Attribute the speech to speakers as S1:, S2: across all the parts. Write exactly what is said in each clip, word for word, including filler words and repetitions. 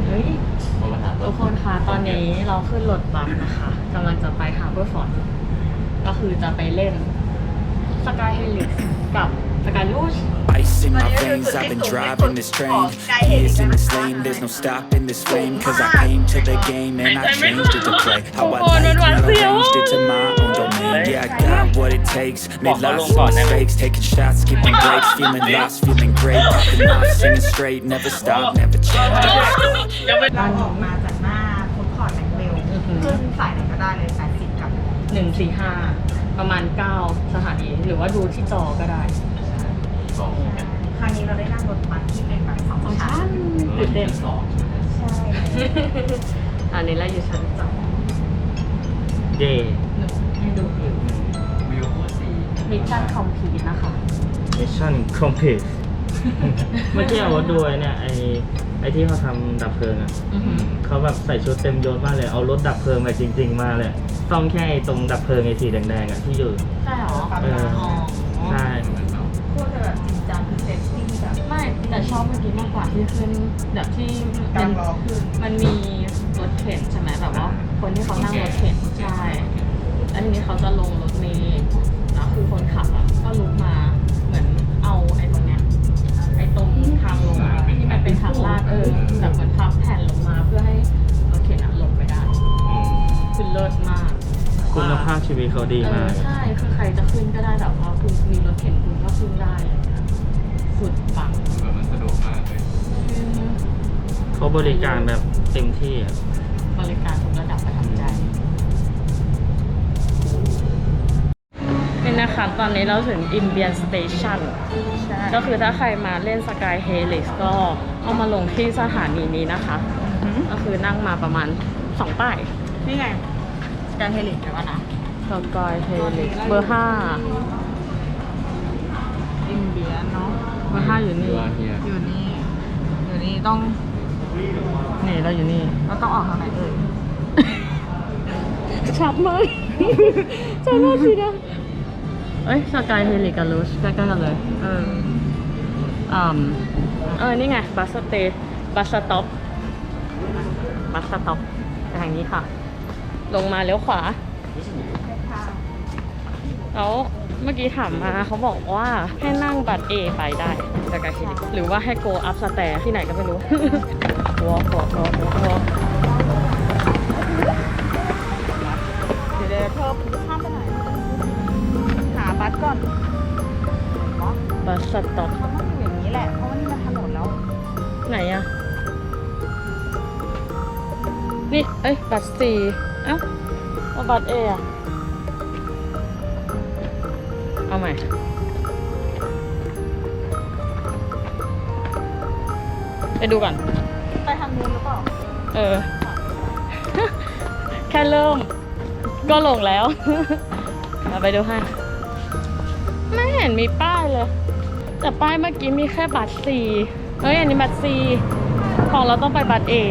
S1: เฮ้ยทุกคนคะตอนนี้เราขึ้นรถบัสนะคะกำลังจะไปฮาร์เบอร์ฟอร์ดก็คือจะไปเล่นสกายเฮลิกกับสกายลูช
S2: Ice in my veins, I've been driving this train. Years in this lane, there's no stopping this flame. Cause I came to the game and I changed it to play. How I like it, arranged it to my own domain. Yeah, I got what it takes, made lots of mistakes. Taking shots, skipping breaks, feeling lost, feeling great. Popping off, singing straight, never stop, never change.
S3: เราออกมาจากหน้าฟู้ดคอร์ทแม็กเบลขึ้นสายไหนก็ได้เลยสายสิบกับ
S1: หนึ่งสี่ห้าประมาณเก้าสถานีหรือว่าดูที่จอก็ได้
S3: ครั้งนี้เราได้นั่งรถบัสที่เป็นแบบสองชั้น
S1: ตื่นเต้นสอง
S3: ใช่
S1: อันนี้เราอยู่ชั้นสอง
S4: เย่
S1: ให้ดูวิววิวสีมิชชั่นคอมพลีทนะคะ
S4: มิชชั่นคอมพลีทเมื่อกี้เอาดูไอ้เนี่ยไอ้ไอ้ที่เขาทำดับเพลิงอ่ะเขาแบบใส่ชุดเต็มยศมากเลยเอารถดับเพลิงมาจริงๆมาเลยต้องแค่ไอ้ตรงดับเพลิงไอ้สีแดงๆอ่ะที่อยู่
S1: ใช่หรอ
S4: เออใช่
S3: พวกจะแบบจริงจังคือเซฟตี้แบบ
S1: ไม่แต่ชอบเมื่อกี้มากกว่าที่ขึ้นแบบที่มันมันมีรถเข็นใช่ไหมแบบว่าคนที่เขานั่งรถเข็นใช่แล้วทีนี้เขาจะลงรถเมล์แล้วคือคนขับอ่ะก็ลุกมาเหมือนเอาไอ้ตรงเนี้ยไอ้ตรงทางลงที่มันเป็นทางลาดเออแบบเหมือนพับแผ่นลงมาเพื่อให้รถเข็นอ่ะลงไปได้คือเลิศมาก
S4: คุณภาพชีวิตเขาดีมาก
S1: ใช่คือใครจะขึ้นก็ได้แบบว่าคุณมีรถเข็นคุณก็ขึ้นได้สุดปัง
S5: มันสะดวกมากเลย
S4: เขาบริการแบบเต็มที่อ่ะ
S1: บริการทุกระดับประทับใจนี่นะคะตอนนี้เราถึงอิมเบียนสเตชันก็คือถ้าใครมาเล่นสกายเฮลิกก็เอามาลงที่สถานีนี้นะคะก็คือนั่งมาประมาณสองป้าย
S3: นี่ไงสกายเฮลิกเดี๋ยวก่อนนะ
S1: สกายเฮลิกเบอร์ห้า
S3: อิมเบียนเนาะ
S1: เบอร์ห้าอยู่นี่
S3: อยู่นี่อยู่นี่ต้อง
S1: นี่เราอยู่นี่
S3: เราต้องออกทางไหนเอ่ย
S1: ชัดมากชัดมากสินะเอ้ยสกายเฮลิกกับลูชใกล้ๆกันเลยเอออืมเออนี่ไงบัสสเตย์บัสสต็อปบัสสต็อปไปทางนี้ค่ะลงมาเลี้ยวขวาแล้วเมื่อกี้ถามมาเขาบอกว่าให้นั่งบัตร A ไปได้สกายเฮลิกหรือว่าให้ go up stair ที่ไหนก็ไม่รู้ walk walk walk walk
S3: เดี๋ยวเดี๋ยวเธอข้ามไปไหนหาบัสก่อน
S1: บัสสต็อป
S3: มันต้องอยู่อย่างนี้แหละเพราะว่านี่มันถนนแล้ว
S1: ไหนอะนี่เอ้ยบัส C เอ้าว่าบัตร A อะเอาใหม่ไปดูก่อน
S3: ไปทางนู้นหรือเปล่า
S1: เออ แค่เริ่มก็ลงแล้วเราไปดูให้ไม่เห็นมีป้ายเลยแต่ป้ายเมื่อกี้มีแค่บัตร C เฮ้ยอันนี้บัตร C ของเราต้องไปบัตร A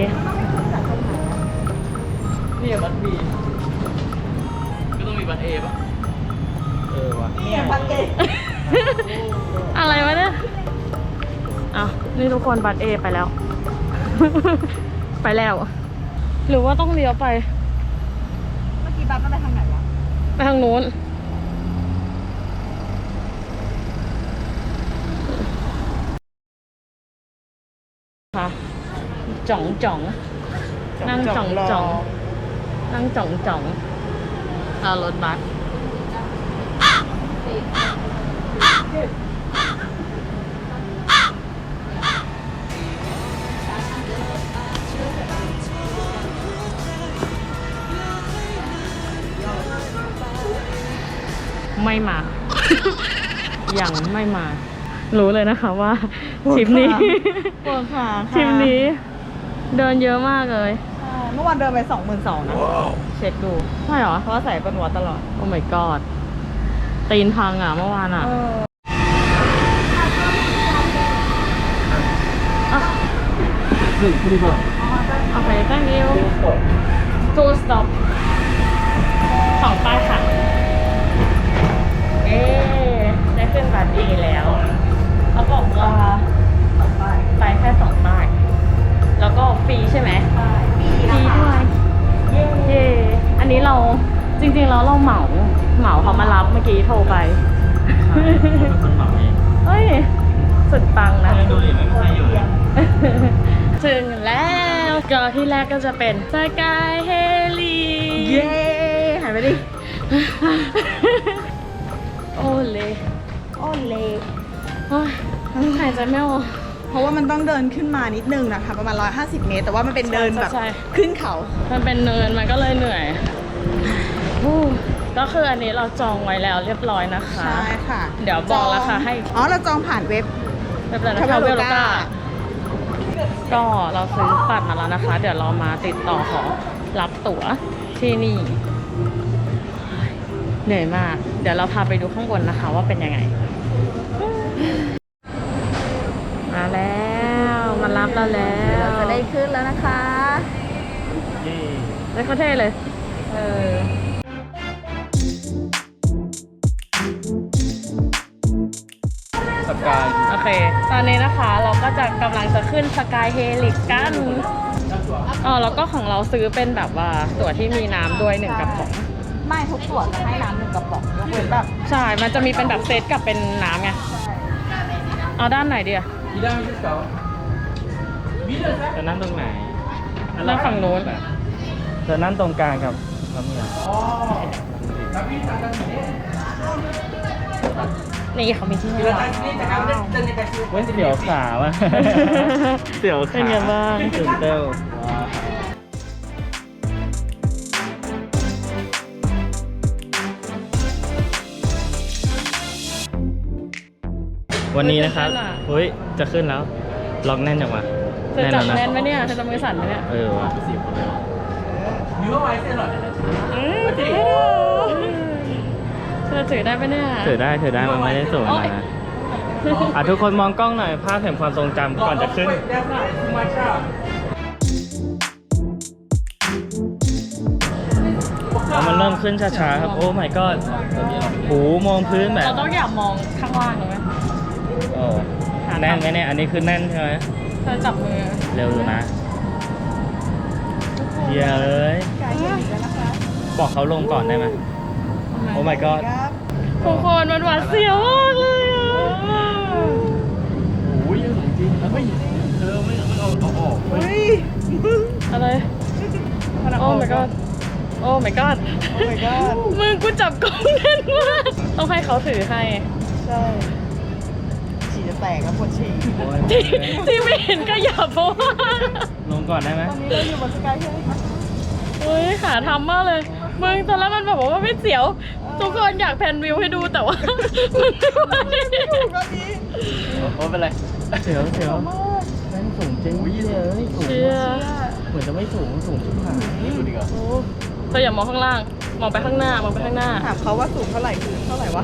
S1: นี่บัตร B ก็ต้องมีบัตร A ป่ะ
S4: เออวะ
S3: นี่บัตร A
S1: อะไรวะเนี่ยอ่ะนี่ทุกคนบัตร A ไปแล้ว ไปแล้วหรือว่าต้องเลี้ยวไป
S3: เมื่อกี้บัตรมันไปทางไหนวะ
S1: ไปทางนู้นค่ะจ่องจ่องนั่งจ่องจ่องนั่งจ่องจ่องเอารถบัสไม่มา ยังไม่มารู้เลยนะคะว่าทริปนี้ทริปนี้เดินเยอะมากเลย
S3: เมื่อวานเดินไปสองหมื่นสองนะ
S1: เช็คดูใช่เหรอ
S3: เพราะว่าใส่เป็นหัวตลอด
S1: โอ้ my god ตีนพังอ่ะเมื่อวานอ่ะโอเค thank you two stop สองป้ายค่ะเอ๊ได้ขึ้นบัตร A แล้วเขาบอกว่าไปแค่สองป้ายแล้วก็ฟรีใช่ไหมจริงๆแล้วเราเหมาเหมาเขามารับเมื่อกี้โทรไป
S4: เป็นคนเหมาเอง
S1: เฮ้ยสุดปังนะ
S4: ดูดิไม่มีใครอยู่เลย
S1: ถึงแล้วก็ที่แรกก็จะเป็นสกายเฮลี
S3: เย้หายไปดิ
S1: โอเล
S3: โอ้เละ
S1: โอ้ยหายใจไม่ออก
S3: เพราะว่ามันต้องเดินขึ้นมานิดนึงนะคะประมาณหนึ่งร้อยห้าสิบเมตรแต่ว่ามันเป็นเดินแบบ
S1: ใช่
S3: ขึ้นเขา
S1: มันเป็นเนินมันก็เลยเหนื่อยอู้ก็คืออันนี้เราจองไว้แล้วเรียบร้อยนะคะ
S3: ใช่ค่ะ
S1: เดี๋ยวบอกราคาให้
S3: อ๋อเราจองผ่านเว็บ
S1: เรียบร้อยนะคะเวล
S3: Traveloka
S1: ก้าก็เราซื้อบัตรมาแล้วนะคะ เดี๋ยวเรามาติดต่อขอรับตั๋วที่นี่ เหนื่อยมาก เดี๋ยวเราพาไปดูข้างบนนะคะว่าเป็นยังไง มาแล้วมารับเราแล้ว
S3: เราจะได้ขึ้นแล้วนะคะ
S4: เย้
S1: ได้เขาเท่เลย เออ
S4: สกาย
S1: โอเค ตอนนี้นะคะเราก็จะกำลังจะขึ้นสกายเฮลิกกันอ๋อแล้วก็ของเราซื้อเป็นแบบว่าตั๋วที่มีน้ำด้วยหนึ่งกระป๋อง
S3: ไม่ทุกส่วนจะให้น้ำหนึ่งกระป๋องยกเว้นแบบ
S1: ใช่ มันจะมีเป็นแบบเซตกับเป็นน้ำไง เอาด้านไหนดีอะ
S4: จะนั่งตรงไหน
S1: นั่งฝั่งนู้น
S4: จะนั่งตรงกลางกับน้ำเมีย
S1: นี่เขามีที่นั่ง
S4: เว้นเสียวขาว่ะ เสียวขา
S1: เป็นไงบ้าง
S4: ตื่นเต้นวันนี้นะครับเฮ้ย จะขึ้นแล้ว ล็อกแน่นจังวะ
S1: เธอ
S4: แน่น
S1: จับ
S4: แล้วนะ
S1: แน่นไหมเนี่ยเธอจะมือสั่นไหมเนี่ย
S4: เออว่ะสี่คนเลย
S1: อืมถือได้เธอถือได้ไหมเนี่ย
S4: ถือได้ถือได้มันไม่ได้สูง
S1: โอ๊
S4: มาก
S1: ย
S4: นะอ่ะทุกคนมองกล้องหน่อยภาพแห่งความทรงจำก่อนจะขึ้นแล้วมันเริ่มขึ้นช้าๆครับโอ้ my god หูมองพื้นแบบ
S1: เราต้องอย่ามองข้างล่างเลยไหม
S4: โอ้แน่นไหมเนี่ยอันนี้คือแน่นใช่ไหม
S1: เธอจับมือ
S4: เร็วอยู่นะเฮียเลยบอกเขาลงก่อนได้ไหมโอ้ my god
S1: ทุกคนมันหวาดเสียวมากเลยอ่ะ
S4: โอ้ยยังจริงแล้วไม่เธอไม่ไม่เอาเอาออกเฮ้ย
S1: อะไร โอ้ my god โอ้ my god
S3: โอ้ my god
S1: มึงกูจับกล้องแน่นมากต้องให้เขาถือให้
S3: ใช่ฉี่จะแตกแล้วปวดฉี่
S1: ที่ที่ไม่เห็นก็อย่าเพราะว่า
S4: ลงก่อนได้ไหม
S3: ตอนนี้เราอยู่บนสกายเฮลิคอปเตอร์
S1: เฮ้ยขาทำมากเลยมึงตอนแรกมันบอกว่าไม่เสียว ทุกคนอยากแพนวิวให้ดูแต่ว่า มันไม่ไหว
S3: ถูกแบบนี้
S4: โอ้เป็นไรเสียวเสียวแม่งสูงจริงเลยสูง
S1: เชียร์
S4: เหมือนจะไม่สูงสูงชิบหายดูดิก่อน
S1: โอ้เธออย่ามองข้างล่าง มองไปข้างหน้ามองไปข้างหน้า
S3: ถามเขาว่าสูงเท่าไหร่คือเท่าไหร่วะ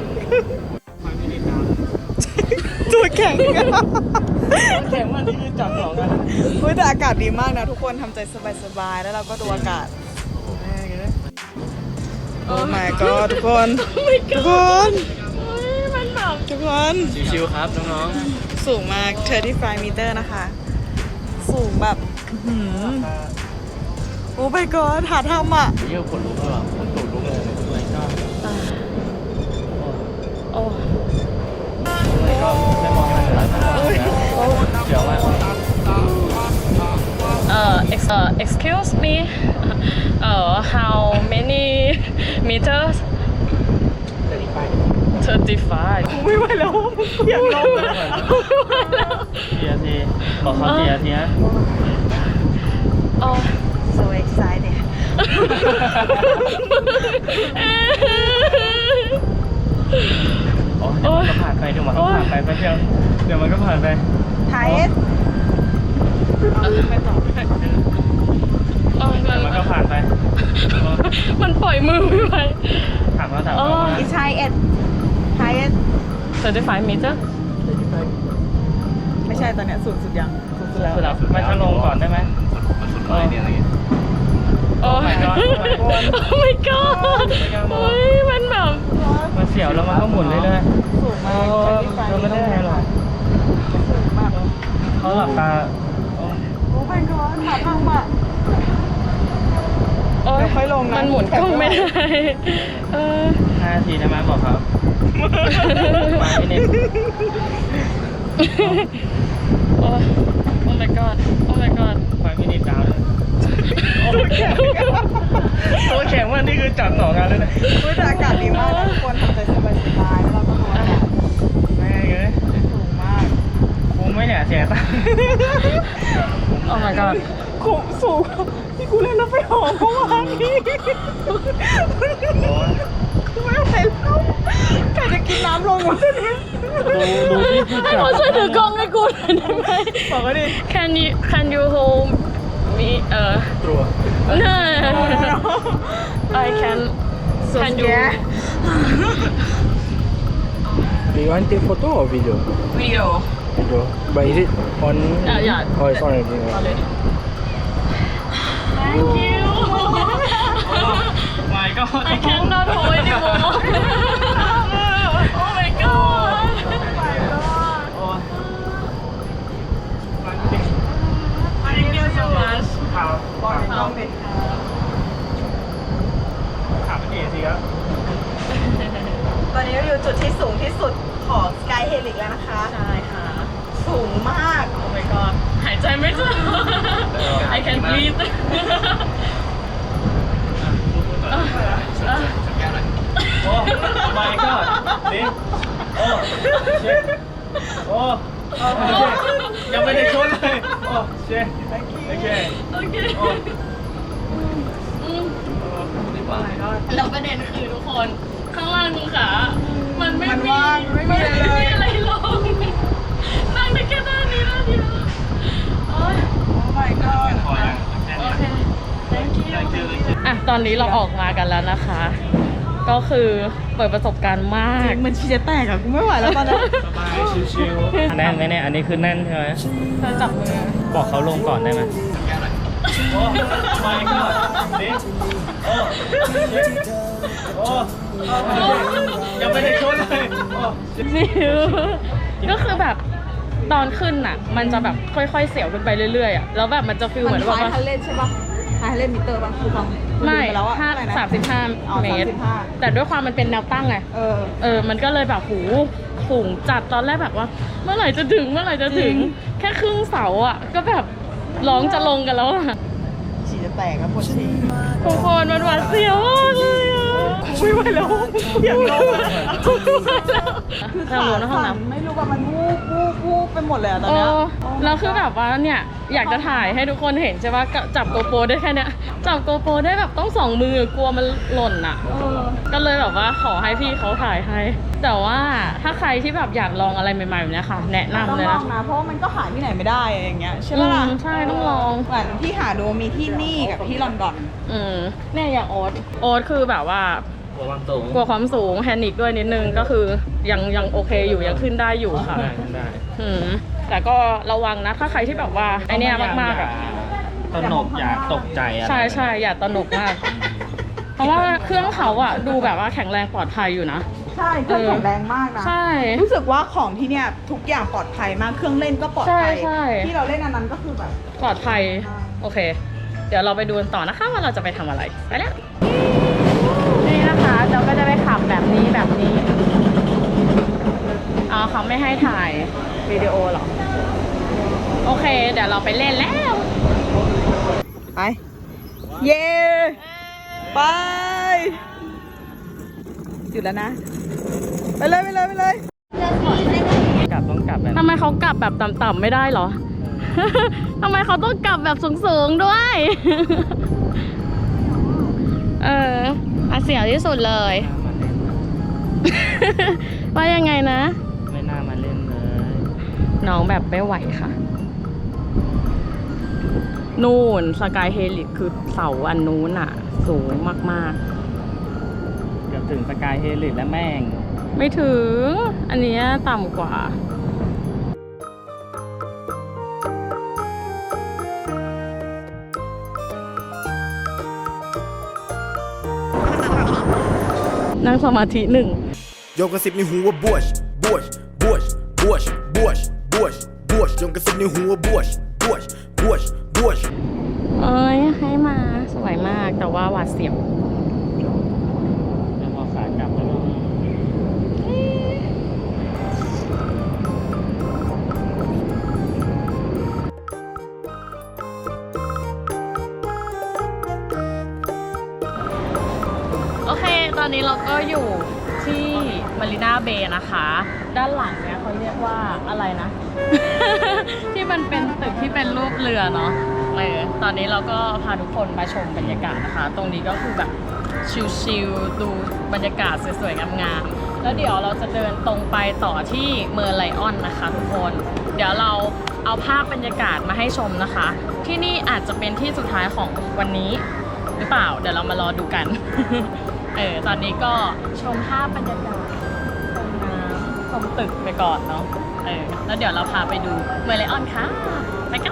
S3: ตัวแข็ง
S4: แข็งมากนี่คือจับสองกัน
S3: เฮ้ยแต่อากาศดีมากนะทุกคนทำใจสบายๆแล้วเราก็ดูอากาศโอ้ my god ทุกคน
S1: ไม่ก
S3: ทุก
S1: ล้า
S3: คน
S1: เฮ้ยมันแบบ
S3: ทุกคน
S4: ชิวๆครับน้อง
S3: สูงมากสามสิบห้าเมตรนะคะ สูงแบบอื้อหือโอ้ my god หาทำอ่ะ
S4: ๆเยี่ยวขนลุกเลยขนตูดลุกเลยไม่ชอบ
S1: โอ้
S4: ไม่ก็ไม่มองอะไรหลายคนเดี๋ยวว่า
S1: เอ่อ ex- เอ่อ excuse me เอ่อ how many meters thirty-five
S3: ไม่ไหวแล้วอยากลงเลย
S1: ไม่ไหวแล้ว
S4: เทียทีบอกเขาเทียทีนะ
S1: โอ้
S3: so excited
S4: อ๋อเดี๋ยวมันก็ผ่านไปเดี๋ยวมันก็ผ่านไปแป๊บเดียวเดี๋ยวมันก็ผ่านไป
S3: ไทย
S1: ไม่ตอบโอ้ย
S4: เดี๋ยวมันก็ผ่านไป
S1: มันปล่อยมือไม่ไหว
S4: ถามเขาถามเขา
S3: อีไทยเอ็ดไทยเอ็ด
S1: thirty-five meter
S3: ไม่ใช่ตอนเนี้ยสุดสุดยังสุดสุดแล้ว
S4: สุดแล้วไม่ถ้าลงก่อนได้ไหมสุดเลยเนี่ยอะไรเงี้ย
S1: โอ้
S4: my god
S1: โอ้ my god โอ้ยมันแบบ
S4: มันเสียวแล้วมันก็หมุนเรื่อย
S3: สูง
S4: ๆ
S3: มาก
S4: เธอไม่ต้องแทนหรอก
S3: สูงมาก
S4: เขาหลับตา
S3: โอ้ my god หาทางอ่ะ
S1: โอ้ย
S3: ค่อยลงนะ
S1: มันหมุนกล้องไม่ได้เออ
S4: ห้านาทีนะมาบอกครับมาไม่เน้น
S1: โอ้ Oh my god Oh my god
S4: ไฟไม่เน้นดาวเลยตัวแข็งว่านี่คือจัดต่องานแล้วนะ
S3: อุ๊ยแต่อากาศดีมากนะทุกคนทำใจสบายๆแล้วเราก็นอนแบบ
S4: แม่งเลย
S3: สูงมาก
S4: คุ้มไหมเนี่ยเสียตังค์
S1: Oh my god
S3: คุ้มสูงที่กูเล่นรถไฟเหอเมื่อวานนี้
S4: โอ้ย
S3: กูไม่ไหวแล้วใครจะกินน้ำลงวะเนี่ย
S4: ดูดูที่ผู้
S1: ให้
S4: จัด
S1: เขาช่วยถือกล้องให้กูหน่อยได้ไหม
S3: บอกว่าดิ
S1: Can you Can you hold me เออ
S4: ตัว
S1: No I can Can you
S5: Do you want take photo or video?
S3: วิดีโอ
S5: Video. But is it on?
S1: Uh, yeah.
S5: Oh, it's on already.
S1: already Thank you
S4: My God
S1: I cannot hold anymore Oh my god
S4: โอ้ย
S1: Thank you so much
S4: ข่าว
S3: บอกในกล้องดิ
S4: ข่าวเป็นเอซีครับ
S3: ตอนนี้เราอยู่จุดที่สูงที่สุดของสกายเฮลิกแล้วนะคะ
S1: ใช่ค่ะ
S3: สูงมาก
S1: Oh my god หายใจไม่ทัน I can breathe
S4: โอ้ my god นี่โอ้เชฟโอ้ยังไม่ได้ชนเลยโอ้เชฟโอเค
S1: โอเค
S4: โอ้
S1: อืมแล้วประเด็นคือทุกคนข้างล่างมึงขามันไม่
S3: มัน
S1: มี
S3: ว่างไม่มีอะไรเลย
S1: อะไรลงนั่งได้แค่ด้านนี้ด้านเดียวโอ๊ย
S3: Oh my god
S4: พอยัง
S1: โอเค thank you อ่ะตอนนี้เราออกมากันแล้วนะคะ ก็คือเปิดประสบการณ์มาก
S3: มันชีจะแตกอะกูไม่ไหวแล้วตอนนี้
S4: สบายชิวๆแน่นไหมเนี่ยอันนี้คือแน่นใช่ไหม
S1: เธอจับมือ
S4: บอกเขาลงก่อนได้ไหมโอ้ my god นี่โอ้โอ้ยังไม่ได้ชนเลยโอ้
S1: นิวก็คือแบบตอนขึ้นน่ะ มันจะแบบค่อยๆเสียวขึ้นไปเรื่อยๆอ่ะแล้วแบบมันจะฟีลเหมือน
S3: ค
S1: แบบ
S3: ล้าย
S1: ว่า
S3: คันเล่นใช่ปะคล้ายคันเล่นมิเตอร์ปะคือฟัง
S1: ไม่
S3: ลืปแล้วอะ
S1: ห้า
S3: เท่ไหร่นะ
S1: สามสิบห้า
S3: อ๋อ
S1: เมตร
S3: สามสิบห้า
S1: แต่ด้วยความมันเป็นแนวตั้งไง
S3: เออ
S1: เออ มันก็เลยแบบหูสูงจัดตอนแรกแบบว่า เมื่อไหร่จะถึงเมื่อไหร่จะถึง
S3: จริง
S1: แค่ครึ่งเสาอ่ะ ก็แบบร้องจะลงกันแล้วอ่ะ
S3: ฉี่จะแตกแล้วปวดฉี่
S1: ทุกคนมันหวาดเสียวมากเลยอ่ะ
S3: ไม่ไหวแล้วอยากลงอะ
S1: คือ
S3: ขา
S1: ขาในห้อง
S3: สั่น
S1: น้ำ
S3: ไม่รู้ว่ามันวูบวูบวูบไปหมดเลยอะตอน
S1: เอ
S3: เนี้ย
S1: อแล้วคือแบบว่าเนี่ยอยากจะถ่ายให้ทุกคนเห็นใช่ปะก็จับโกโปรได้แค่เนี้ยจับโกโปรได้แบบต้องสองมือกลัวมันหล่นอ่ะ
S3: เออ
S1: ก็เลยแบบว่าขอให้พี่เขาถ่ายให้ แต่ว่าถ้าใครที่แบบอยากลองอะไรใหม่ๆแบบเนี้ยค่ะ แนะ
S3: ต้อง
S1: นำเลย
S3: ลอ
S1: นะ
S3: งนะเพราะว่ามันก็หาที่ไหนไม่ได้อย่างเงี้ยใช่ปะล่ะ
S1: อืมใช่ต้องลอง
S3: เหมือนที่หาดูมีที่นี่กับที่ลอนดอน
S1: อืมเนี่ยอย่างโอ๊ตโอ๊ตคือแบบว่า
S4: หัววางสูง
S1: กลัวความสูงแพนิคด้วยนิดนึงก็คือยังยังโอเคอยู่ยังขึ้นได้อยู่ค่ะ
S4: ได้ได้
S1: อืมแต่ก็ระวังนะถ้าใครที่แบบว่าไอเนี้ยมากๆอ่ะ
S4: ตระหนกอย่าตกใจอะไร
S1: ใช่ใช่อย่าตระหนกมาก เพราะว่าเครื่องเขาอะดูแบบว่าแข็งแรงปลอดภัยอยู่นะ
S3: ใช่เครื่องแข็งแรงมากนะ
S1: ใช่
S3: รู้สึกว่าของที่เนี่ยทุกอย่างปลอดภัยมากเครื่องเล่นก็ปลอดภัย
S1: ใช่ใช่
S3: ที่เราเล่นอันนั้นก็คือแบบ
S1: ปลอดภัย โอเค เดี๋ยวเราไปดูกันต่อนะคะว่าเราจะไปทำอะไร ไปแล้ว นี่นะคะเราก็จะไปขับแบบนี้แบบนี้ อ๋อเขาไม่ให้ถ่ายวิดีโอหรอ โอเค เดี๋ยวเราไปเล่นแล้ว
S3: ไป เย้ไปหยุดแล้วนะ ไปเลยไปเลยไปเลย
S4: กลับต้องกลับแบบ
S1: ทำไมเขากลับแบบต่ำๆไม่ได้เหรอ ทำไมเขาต้องกลับแบบสูงๆด้วย เอออาเสียวที่สุดเลย ว่ายังไงนะ
S4: ไม่น่ามาเล่นเลย
S1: น้องแบบไม่ไหวค่ะ นู่นสกายเฮลิคคือเสาอันนู้นอ่ะ สูงมาก
S4: เกือบถึงสกายเฮลิคแล้วแม่ง
S1: ๆ ไม่ถึง อันเนี้ยต่ำกว่า นั่งสมาธิหนึ่ง
S6: โยงกระซิบในหูว่าบวชบวชบวชบวชบวชบวชบวชโยงกระซิบในหูว่าบวชบวชบวชบวช
S1: เอ้ยให้มาสวยมากแต่ว่าหวาดเสียว
S4: แล้วพอขากลับแล้วก็
S1: โอเค ตอนนี้เราก็อยู่ที่มารีนาเบย์นะคะ ด้านหลังเนี่ยเขาเรียกว่าอะไรนะ ที่มันเป็นตึกที่เป็นรูปเรือเนาะเออตอนนี้เราก็พาทุกคนมาชมบรรยากาศนะคะ ตรงนี้ก็คือแบบชิลๆดูบรรยากาศสวยๆงามๆแล้วเดี๋ยวเราจะเดินตรงไปต่อที่เมอร์ไลออนนะคะทุกคน เดี๋ยวเราเอาภาพบรรยากาศมาให้ชมนะคะ ที่นี่อาจจะเป็นที่สุดท้ายของวันนี้หรือเปล่า เดี๋ยวเรามารอดูกัน เออตอนนี้ก็ชมภาพบรรยากาศชมน้ำชมตึกไปก่อนเนาะเออแล้วเดี๋ยวเราพาไปดูเมอร์ไลออนค่ะไปกัน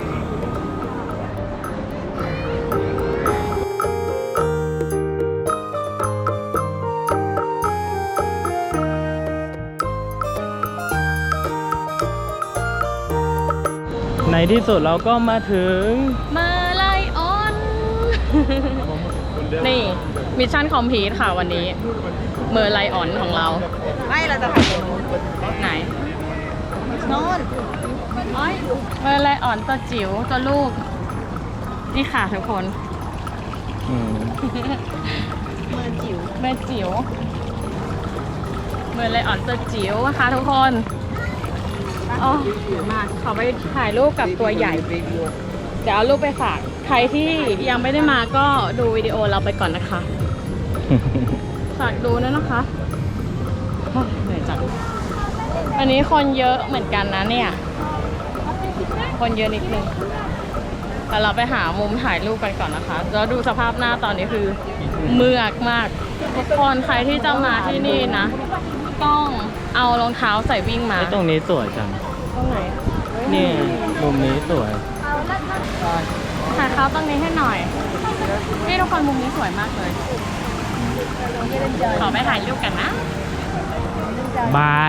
S4: ในที่สุดเราก็มาถึง
S1: เมอร์ไลออน นี่มิชชั่นคอมพลีทค่ะวันนี้เมอร์ไลออนของเรา
S3: ไม่เราจะถ่ายตรงนู้น
S1: ไหน
S3: โน่น
S1: อ้อยเมอร์ไลออนตัวจิ๋วตัวลูก นี่ค่ะทุกคน
S4: อืม
S3: เมือจิ๋ว
S1: เมอร์จิ๋วเมอร์ไลออนตัวจิ๋วนะคะทุกคนอ๋อมาขอไปถ่ายรูปกับตัวใหญ่ เดี๋ยวเอารูปไปฝาก ใครที่ยังไม่ได้มาก็ดูวิดีโอเราไปก่อนนะคะ ฝากดูด้วยนะคะโอ้ยเหนื่อยจังวันนี้คนเยอะเหมือนกันนะเนี่ย คนเยอะนิดนึงแต่เราไปหามุมถ่ายรูปกันก่อนนะคะ แล้วดูสภาพหน้าตอนนี้คือเมือกมาก ทุกคนใครที่จะมาที่นี่นะ ต้องเอารองเท้าใส่วิ่งมา
S4: ไอ้ตรงนี้สวยจัง
S1: ตรงไหน
S4: นี่มุมนี้สวย
S1: ถ่ายเขาตรงนี้ให้หน่อย นี่ทุกคนมุมนี้สวยมากเลย ขอไปถ่ายรูปกันนะ
S4: บาย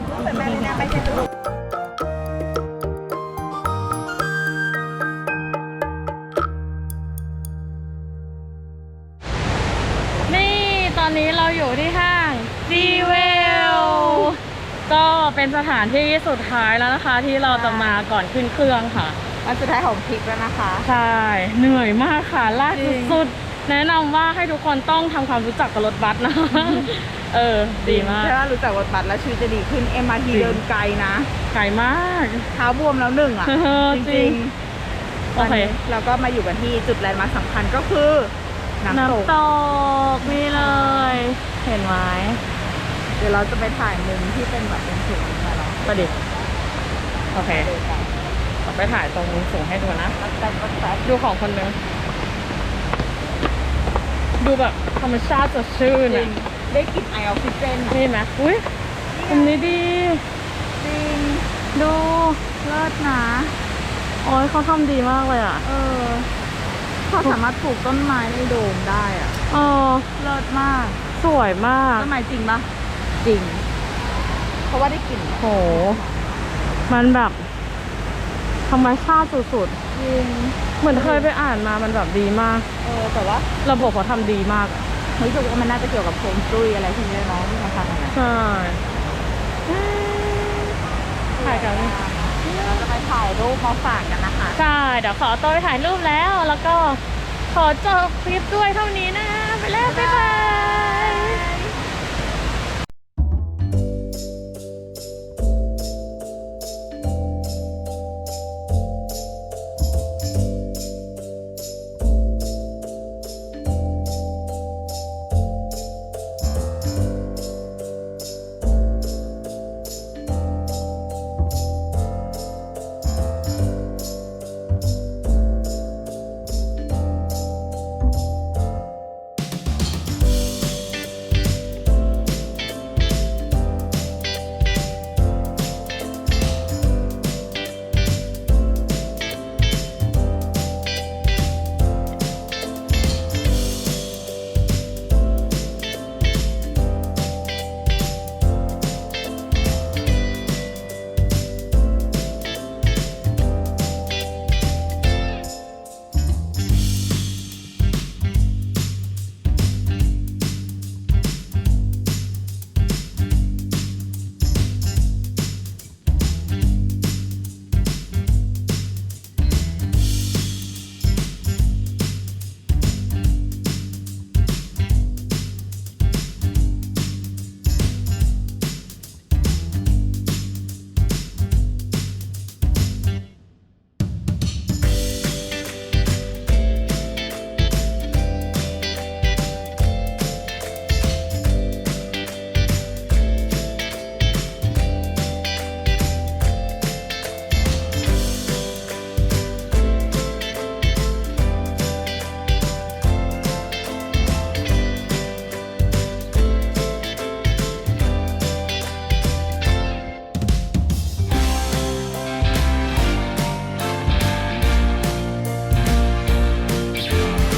S1: นี่ตอนนี้เราอยู่ที่ห้างดีเวลก็เป็นสถานที่สุดท้ายแล้วนะคะ ที่เราจะมาก่อนขึ้นเครื่องค่ะ
S3: วันสุดท้ายของทริปแล้วนะคะ
S1: ใช่ เหนื่อยมากค่ะลากสุดๆแนะนำว่าให้ทุกคนต้องทำความรู้จักกับรถบัสนะ เออ ดีมาก
S3: ใช่ว่ารู้จักรถบัสแล้วชีวิตจะดีขึ้น เอ็ม อาร์ ที
S1: จริง
S3: เดินไกลนะ
S1: ไกลมาก
S3: เท้าบวมแล้วหนึ่งอ่ะ
S1: เออ
S3: จ
S1: จริ
S3: ริ
S1: ง
S3: งๆ
S1: โอเค
S3: ตนนี้เราก็มาอยู่กันที่จุดแลนด์มาร์คสำคัญก็คือน้ำตก
S1: น้ำตกนี่เลย เห็นไหม
S3: เดี๋ยวเราจะไปถ่ายมุมที่เป็นแบบเป็นสูงมาเนาะ
S1: ประดิษฐ์โอเคเราไปถ่ายตรงมุมสูงให้ดูนะ ดูของคนหนึง ดูแบบธรรมชาติสดชื่น
S3: จริ
S1: อ่ะ
S3: งได้กลิ่นไอออกซิเจนอะ
S1: นี่ไหมอุ้ยมุมนี้ดี
S3: จริง
S1: ดู
S3: เลิศนะ
S1: โอ้ยเขาทำดีมากเลยอ่ะ
S3: เออเขาสามารถปลูกต้นไม้ในโดมได้อ่ะ
S1: เออ
S3: เลิศมาก
S1: สวยมาก
S3: ต้นไม้จริงปะจริง เพราะว่าได้กลิ่น
S1: โห มันแบบธรรมชาติสุด
S3: จริง
S1: ๆ เหมือนเคยไปอ่านมามันแบบดีมาก
S3: เออแต่ว่า
S1: ระบบเขาทำดีมาก
S3: รู้สึกว่ามันน่าจะเกี่ยวกับโคมจุ้ยอะไรพวกนี้เนาะที่เขาทำกันนะ
S1: ใช่ถ่ายกัน
S3: เราจะไปถ่ายรูปมาฝากกันนะคะ
S1: ใช่ เดี๋ยวขอตัวไปถ่ายรูปแล้ว แล้วก็ขอจบคลิปด้วยเท่านี้นะ ไปแล้ว บ๊ายบาย